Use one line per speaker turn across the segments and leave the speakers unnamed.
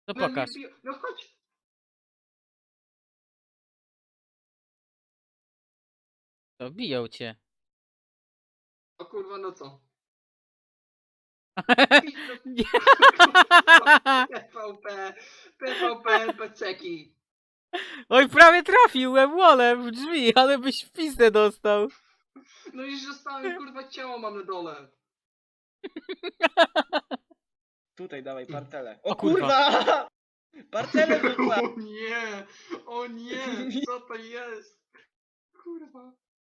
To
No nie
pokaż.
biją. No chodź.
To biją cię.
O kurwa, no co?
Nie.
PvP, PvP, NPC-ki.
Oj, prawie trafiłem wolem w drzwi, ale byś w pizdę dostał.
No i zostałem, kurwa, ciało mam na dole.
Tutaj dawaj partelę.
O
O
kurwa.
kurwa! Partelę rzuca!
O nie, o nie, co to jest? Kurwa.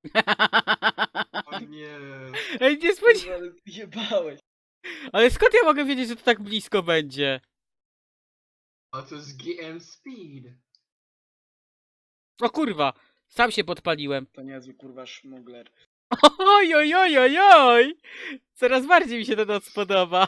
O nie.
Ej, nie spodziewałem.
Kurwa, ale zjebałeś.
Ale skąd ja mogę wiedzieć, że to tak blisko będzie?
A to jest GM Speed.
O kurwa, sam się podpaliłem.
To niezły kurwa szmugler.
Oj, oj, oj, oj, oj. Coraz bardziej mi się ten noc podoba.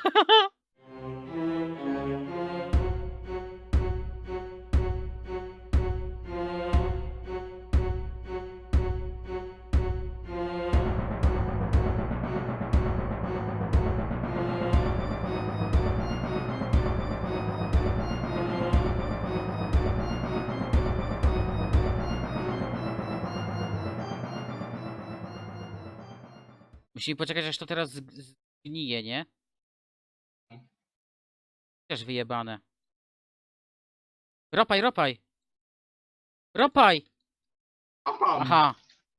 Musimy poczekać, aż to teraz zgnije, nie? Też wyjebane. Ropaj, ropaj! Ropaj!
Opam.
Aha.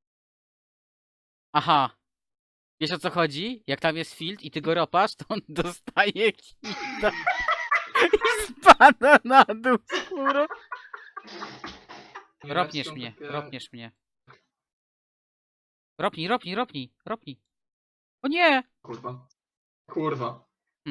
Aha. Wiesz o co chodzi? Jak tam jest field i ty go ropasz, to on dostaje kita. I spada na dół skórą. Ropniesz mnie, ropniesz mnie. Ropnij, ropnij, ropnij, ropnij. O nie!
Kurwa. Kurwa.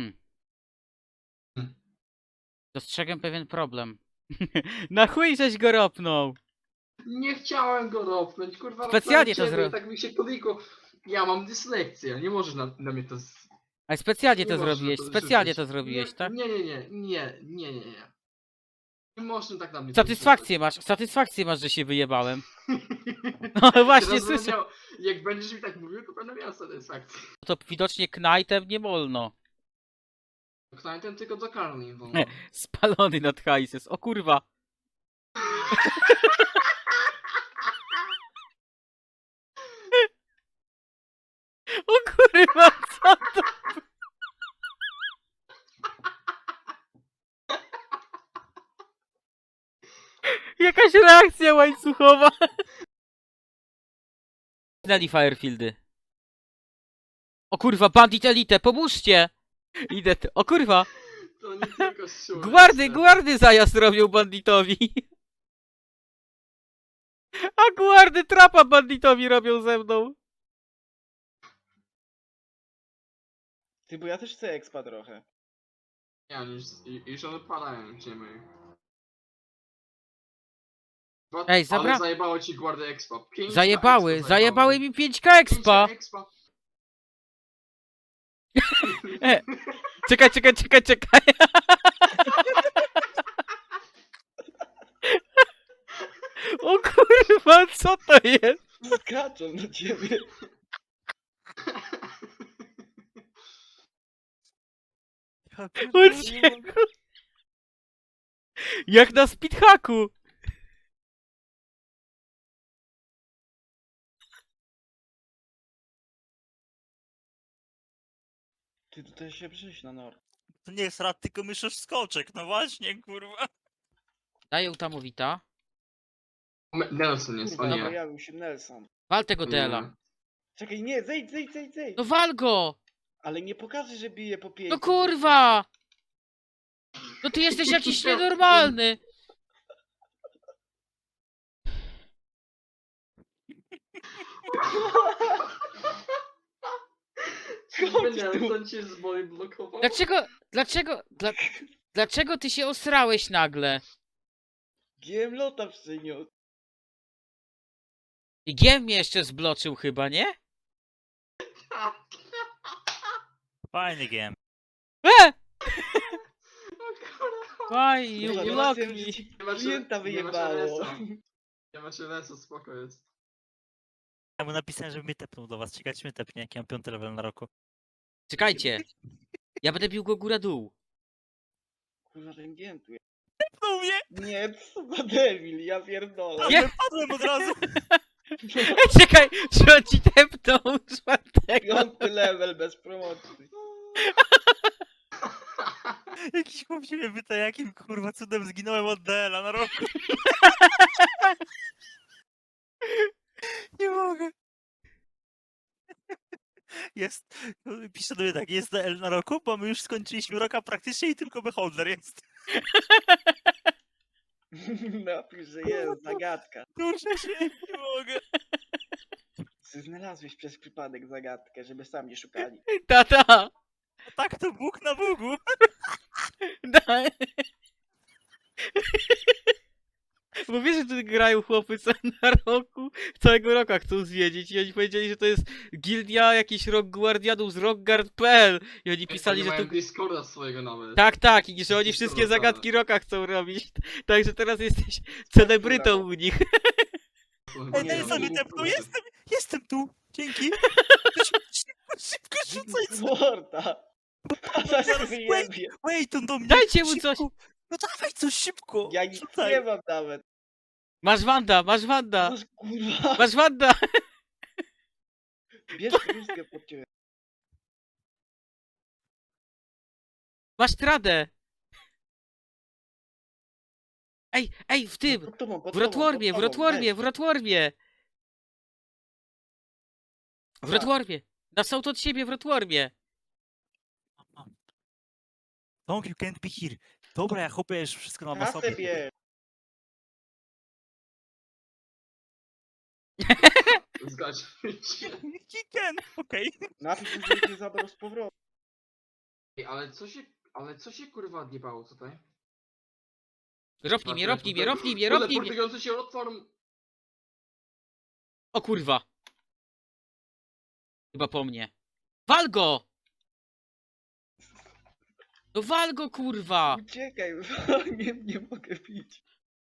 Dostrzegłem pewien problem. Na chuj żeś go ropnął!
Nie chciałem go ropnąć, kurwa.
Specjalnie to
ropnąłem ciebie i
zro-
tak mi się podlikło. Ja mam dyslekcję, nie możesz na mnie to...
Ale specjalnie
Nie
to
można
zrobiłeś,
to
specjalnie
rzucić.
to zrobiłeś,
Nie,
tak?
Nie. Nie można tak na mnie
Satysfakcję masz, że się wyjebałem.
No
No właśnie, słyszę.
Jak będziesz mi tak mówił, to będę miał satysfakcję.
To widocznie knajtem nie wolno.
Knajtem tylko do karni wolno.
Spalony nad hajses. O kurwa. O kurwa, co to? Jakaś reakcja łańcuchowa. Znali Firefieldy. O kurwa, Bandit Elite, pomóżcie! Idę. O kurwa.
To nie tylko szczur.
Guardy zajazd robią banditowi. A guardy trapa banditowi robią ze mną.
Ty, bo ja też chcę expa trochę.
Ja już odpalają ziemię.
Ej,
Ale zajebało ci Guardy Expa.
Zajebały mi 5k expa.
5 expa.
Czekaj. O kurwa, co to jest?
Skaczą na ciebie.
Uciekł. Jak na speedhacku.
Ty tutaj się przyjść na nor.
To nie jest rad, tylko myszysz skoczek, no właśnie, kurwa.
Daję utamowita.
Nelson jest, o
Kurwa,
nie.
pojawił się Nelson.
Wal tego
Nie.
Dela.
Czekaj, nie, zejdź.
No wal go!
Ale nie pokażę, że bije po 5.
No kurwa! No ty jesteś jakiś nienormalny.
Chodź tu.
Nelson cię z boi blokował?
Dlaczego ty się osrałeś nagle?
GM lota przyniósł.
I Giem mnie jeszcze zbloczył chyba, nie?
Fajny game.
O kurwa.
Why you
Kurwa,
block
zobaczyłem,
me?
że ci
Nie masz-
klienta
nie masz
wyjebało.
LS-a. Nie masz LS-a, spoko jest.
Ja mu napisałem, żeby mnie tepnął do was. Czekajcie, mnie tepnie, jak ja mam 5 level na roku.
Czekajcie. Ja będę bił go góra-dół.
kurwa ten giętu jest.
Tepnął mnie!
Nie, co za debil, ja pierdolę.
Nie.
Wypadłem od razu!
Ej, czekaj, czy on ci tepnął czwartego?
5 level bez promocji.
Jakiś chłop się mnie pyta, jakim kurwa cudem zginąłem od DL-a na roku. Nie mogę. Jest, pisze do mnie tak, jest DL na roku, bo my już skończyliśmy roka praktycznie i tylko beholder jest.
Napisz, że jest zagadka.
Duszę się, nie mogę.
Ty znalazłeś przez przypadek zagadkę, żeby sam nie szukali.
Tata!
Tak to Bóg na Bogu.
Da. Bo wiesz, że tu grają chłopy co na roku, całego roka chcą zwiedzić i oni powiedzieli, że to jest gildia jakichś rock guardianów z rockguard.pl i oni pisali, że
mają
tu...
Discorda swojego nawet.
Tak, i że oni wszystkie zagadki roka chcą robić. Także teraz jesteś celebrytą u nich.
Ej,
Nie,
daj
no,
sobie
nie,
tepnął,
nie.
jestem tu. Dzięki. Szybko rzucaj coś.
Morda! A zaraz wyjebie.
Wait, on do mnie.
Dajcie mu
szybko.
coś.
No dawaj coś szybko.
Ja nic
Rzucaj.
nie mam nawet.
Masz Wanda!
Masz kurwa.
Masz Wanda!
Bierz krótkę pod ciebie.
Masz Tradę! Ej, w tym!
Pod tobą, pod
W Rotwormie, w
tobą,
Rotwormie,
weź.
w Rotwormie! W Rotwormie! Na sołt od siebie w Rotwormie!
Long, you can't be here. Dobra, ja chłopie już wszystko mam na
Kasę
sobie.
bierz.
Zgadź się.
He can, okej.
Napisz, że cię zabrał z powrotem.
Ej, ale co się kurwa odjebało tutaj?
Ropnij mnie, ropnij mnie, ropnij mnie,
Ale
ropnij mnie!
portujący się otworm.
O kurwa! Chyba po mnie. Wal go! No wal go, kurwa!
Uciekaj, nie mogę pić.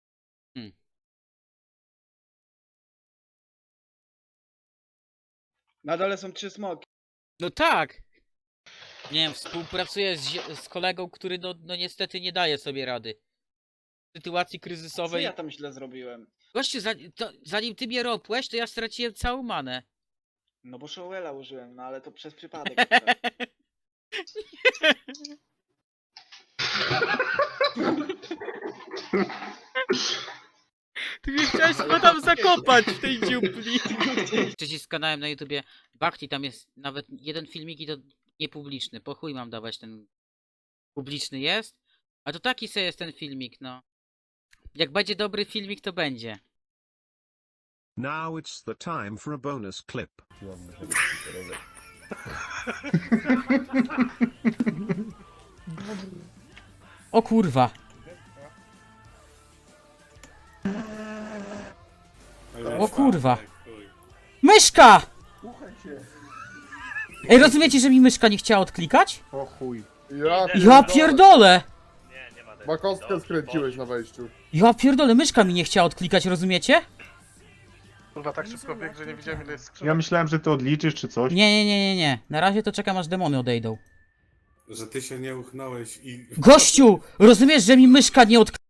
Na dole są 3 smoki.
No tak! Nie wiem, współpracuję z kolegą, który no niestety nie daje sobie rady. W sytuacji
Co
kryzysowej...
ja tam źle zrobiłem?
Gościu, zanim ty mnie ropłeś, to ja straciłem całą manę.
No bo Showela użyłem, no ale to przez przypadek.
Ty mnie chciałeś chyba tam zakopać w tej dziupli. Przycisk z kanałem na YouTubie Bhakti, tam jest nawet jeden filmik i to niepubliczny. Po chuj mam dawać ten... Publiczny jest? A to taki sobie jest ten filmik, no. Jak będzie dobry filmik, to będzie.
Now it's the time for a bonus clip.
O kurwa. O kurwa. Myszka! Ej, rozumiecie, że mi myszka nie chciała odklikać?
O chuj.
Ja pierdolę!
Makowskę skręciłeś na wejściu.
Ja pierdolę, myszka mi nie chciała odklikać, rozumiecie?
Kurwa, tak szybko bieg, że nie widziałem ile jest skrzynek.
Ja myślałem, że ty odliczysz czy coś.
Nie. Na razie to czekam aż demony odejdą.
Że ty się nie uchnąłeś i...
Gościu! Rozumiesz, że mi myszka nie odklikała?